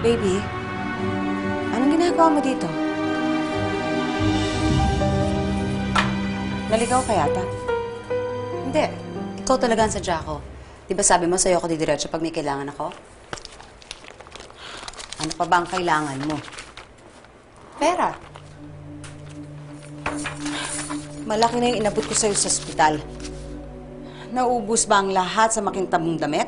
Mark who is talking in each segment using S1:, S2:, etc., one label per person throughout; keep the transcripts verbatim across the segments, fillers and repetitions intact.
S1: Baby, anong ginagawa mo dito? Naligaw ka yata?
S2: Hindi. Ikaw talaga ang sadya ko. Di ba sabi mo sa'yo ako didiretso pag may kailangan ako? Ano pa ba ang kailangan mo? Pera.
S1: Malaki na yung inabot ko sa'yo sa ospital. Naubos ba ang lahat sa makintabong damit?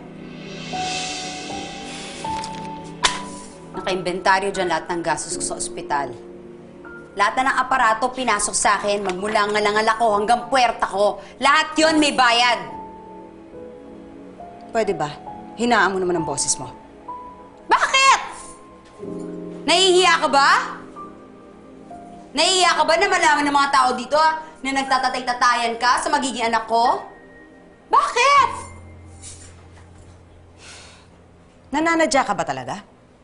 S2: Naka-inventaryo dyan lahat ng gastos ko sa ospital. Lahat na ng aparato pinasok sa akin, magmula ngalangal ako hanggang puwerta ko. Lahat yon may bayad.
S1: Pwede ba? Hinaan mo naman ang boses mo.
S2: Bakit? Nahihiya ka ba? Nahihiya ka ba na malaman ng mga tao dito ah, na nagtatatay-tatayan ka sa magiging anak ko? Bakit?
S1: Nananadya ka ba talaga?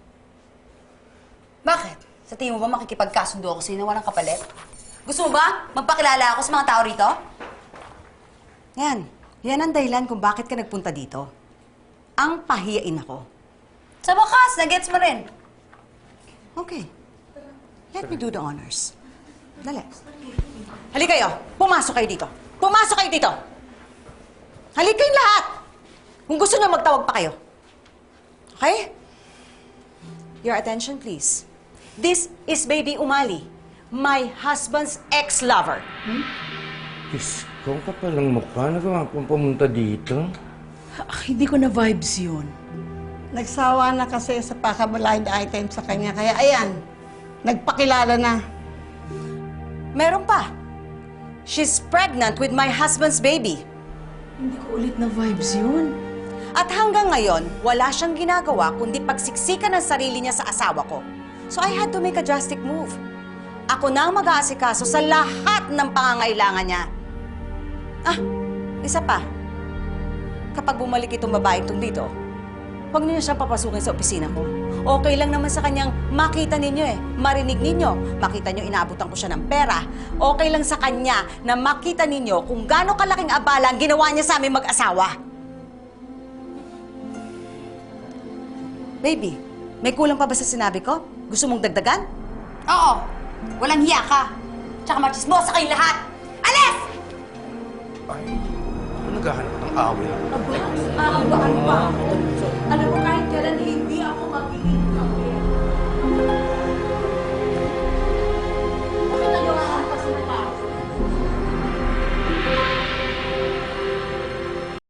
S2: Bakit? Sa tingin mo ba makikipagkasundo ako sa'yo na walang kapalit? Gusto mo ba magpakilala ako sa mga tao rito?
S1: Yan. Yan ang dahilan kung bakit ka nagpunta dito. Ang pahiyain ako.
S2: Sa wakas, nagets mo rin.
S1: Okay. Let me do the honors. Dali. Halika kayo. Pumasok kayo dito. Pumasok kayo dito. Halika kayong lahat. Kung gusto nyo, magtawag pa kayo. Okay? Your attention, please. This is Baby Umali, my husband's ex-lover.
S3: Hmm? Diyos ko, kapalang mukha. Nagawa kong pumunta dito.
S4: Ah, hindi ko na vibes yun.
S5: Nagsawa na kasi sa paka-blind item sa kanya. Kaya ayan, nagpakilala na.
S1: Meron pa. She's pregnant with my husband's baby.
S4: Hindi ko ulit na vibes yun.
S1: At hanggang ngayon, wala siyang ginagawa kundi pagsiksikan ng sarili niya sa asawa ko. So I had to make a drastic move. Ako na ang mag-aasikaso sa lahat ng pangangailangan niya. Ah, isa pa. Kapag bumalik itong babae itong dito, huwag niyo siyang papasukin sa opisina ko. Okay lang naman sa kanyang makita ninyo eh, marinig ninyo, makita niyo inaabutan ko siya ng pera. Okay lang sa kanya na makita ninyo kung gaano kalaking abala ang ginawa niya sa aming mag-asawa. Baby, may kulang pa ba sa sinabi ko? Gusto mong dagdagan?
S2: Oo. Walang hiya ka. Tsaka machismosa kayong lahat. Alis!
S3: Ay, ano naghahanap ng away?
S4: Aba, aabahan pa ako. Alam mo, kahit kailan hindi ako magiging